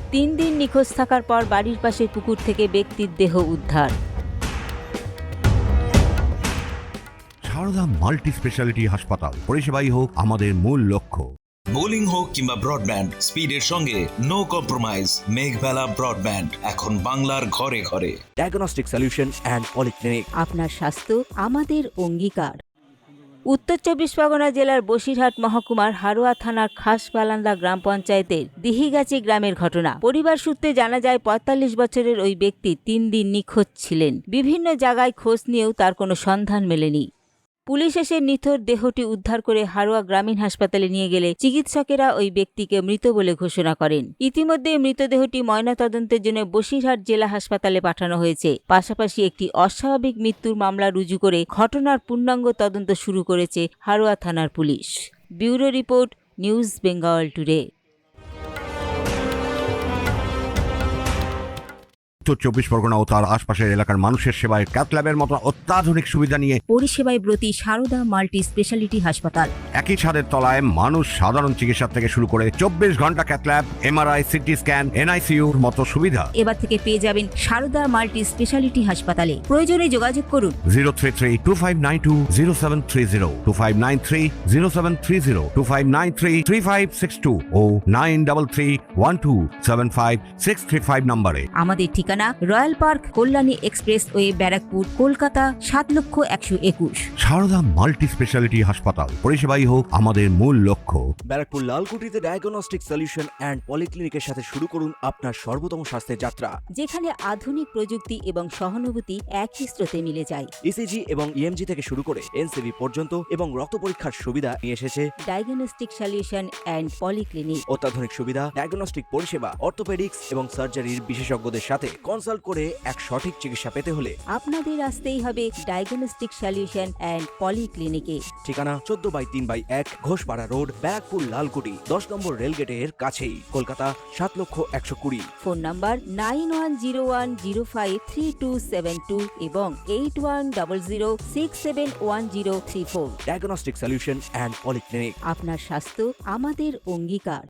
3 দিন নিখোঁজ থাকার পর বাড়ির পাশে পুকুর থেকে ব্যক্তির দেহ উদ্ধার। সারদা মাল্টি স্পেশালিটি হাসপাতাল, পরিষেবাই হোক আমাদের মূল লক্ষ্য। বোলিং হোক কিংবা ব্রডব্যান্ড, স্পিডের সঙ্গে নো কম্প্রোমাইজ। মেঘবেলা ব্রডব্যান্ড এখন বাংলার ঘরে ঘরে। Diagnostic solution and polyclinic. আপনার স্বাস্থ্য আমাদের অঙ্গীকার। উত্তর 24 পরগনা জেলার বসিরহাট মহকুমার হারোয়া থানার খাসবালান্দা গ্রাম পঞ্চায়েতের দিহিগাছি গ্রামের ঘটনা। পরিবার সূত্রে জানা যায় 45 বছরের ওই ব্যক্তি 3 দিন নিখোঁজ ছিলেন। বিভিন্ন জায়গায় খোঁজ নিয়েও তার কোনো সন্ধান মেলেনি। পুলিশ এসে নিথর দেহটি উদ্ধার করে হারোয়া গ্রামীণ হাসপাতালে নিয়ে গেলে চিকিৎসকেরা ওই ব্যক্তিকে মৃত বলে ঘোষণা করেন। ইতিমধ্যে মৃতদেহটি ময়নাতদন্তের জন্য বসিরহাট জেলা হাসপাতালে পাঠানো হয়েছে। পাশাপাশি একটি অস্বাভাবিক মৃত্যুর মামলা রুজু করে ঘটনার পূর্ণাঙ্গ তদন্ত শুরু করেছে হারোয়া থানার পুলিশ। Bureau report, news Bengal today. উত্তর 24 পরগনা ও তার আশপাশের এলাকার মানুষের সেবায় ক্যাথ ল্যাবের মতো অত্যাধুনিক সুবিধা নিয়ে পরিষেবায় ব্রতী সারদা মাল্টি স্পেশালিটি হাসপাতাল। একই ছাদের তলায় মানুষ সাধারণ চিকিৎসা থেকে শুরু করে 24 ঘন্টা cath lab, MRI, CT scan, এনআইসিইউর মতো সুবিধা এবার থেকে পেয়ে যাবেন সারদা মাল্টি স্পেশালিটি হাসপাতালে। প্রয়োজনে যোগাযোগ করুন 033-2592-0730, 2593-0730, 2593-3562 ও 9331275635 নম্বরে। আমাদের ঠিকানা royal park, Kalyani expressway, Barrackpore, Kolkata 7,01,021। Sarada multi speciality হাসপাতাল, পরিষেবাই হোক আমাদের মূল লক্ষ্য। ব্যারাকপুর লালকুটিতে ডায়াগনস্টিক সলিউশন অ্যান্ড পলিক্লিনিকের সাথে শুরু করুন আপনার সর্বোত্তম স্বাস্থ্যের যাত্রা। যেখানে আধুনিক প্রযুক্তি এবং সহানুভূতি একই স্রোতে মিলে যায়। ইসিজি এবং ইএমজি থেকে শুরু করে এনসিবি পর্যন্ত এবং রক্ত পরীক্ষার সুবিধা নিয়ে এসেছে ডায়াগনস্টিক সলিউশন অ্যান্ড পলিক্লিনিক। অত্যাধুনিক সুবিধা, ডায়াগনস্টিক পরিষেবা, অর্থোপেডিক্স এবং সার্জারির বিশেষজ্ঞদের সাথে কনসাল্ট করে এক সঠিক চিকিৎসা পেতে হলে আপনাদের আসতেই হবে ডায়াগনস্টিক সলিউশন অ্যান্ড পলিক্লিনিকে। ঠিকানা 14/3/1 ঘোষপাড়া রোড, ব্যারাকপুর লালকুটি, 10 নম্বর রেলগেটের কাছেই, কলকাতা 7,01,20। ফোন নাম্বার 9101053272 এবং 8100671034। Diagnostic solution and polyclinic. আপনার স্বাস্থ্য আমাদের অঙ্গীকার।